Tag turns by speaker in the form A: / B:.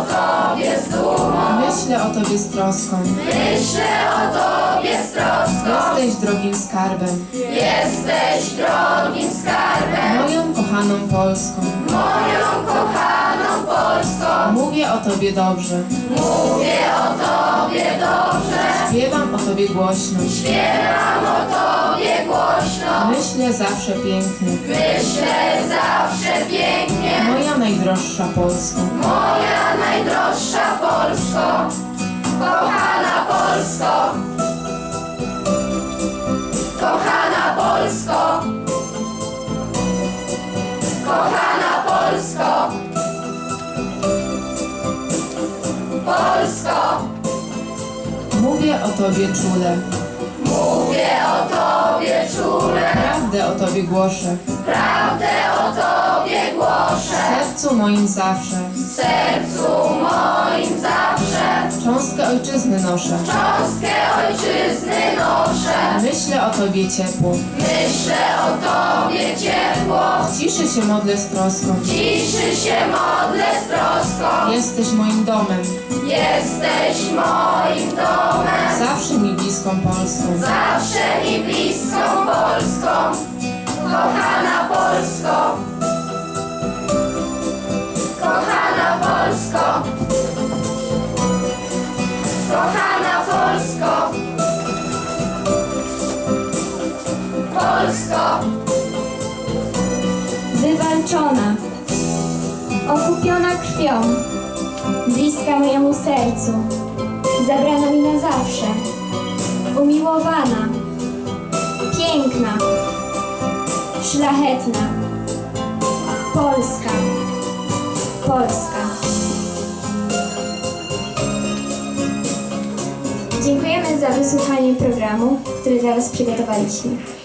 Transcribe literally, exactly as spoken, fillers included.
A: Tobie z dumą,
B: Myślę o Tobie z troską.
A: myślę o Tobie z troską.
B: Jesteś drogim skarbem,
A: Jesteś drogim skarbem,
B: moją kochaną Polską.
A: moją kochaną Polską.
B: Mówię o Tobie dobrze,
A: Mówię o Tobie dobrze,
B: śpiewam o Tobie głośno.
A: śpiewam o Tobie głośno.
B: Myślę zawsze pięknie,
A: Myślę zawsze pięknie,
B: moja najdroższa Polsko.
A: moja najdroższa Polsko, kochana Polsko, kochana Polsko, kochana Polsko, Polsko.
B: Mówię o Tobie czule,
A: Mówię o Tobie czule,
B: prawdę o Tobie głoszę.
A: prawdę o Tobie
B: W
A: głoszę,
B: sercu moim zawsze,
A: w sercu moim zawsze.
B: cząstkę ojczyzny noszę.
A: Cząstkę ojczyzny noszę,
B: Myślę o Tobie ciepło,
A: myślę o Tobie ciepło.
B: w ciszy się modlę z troską.
A: Ciszy się modlę z troską,
B: Jesteś moim domem,
A: jesteś moim domem.
B: zawsze mi bliską Polską.
A: Zawsze mi bliską Polską, kochana Polsko, kochana Polsko, kochana Polsko, Polsko.
C: Wywalczona, okupiona krwią, bliska mojemu sercu, zabrana mi na zawsze, umiłowana, piękna, szlachetna, Polska, Polska. Dziękujemy za wysłuchanie programu, który dla Was przygotowaliśmy.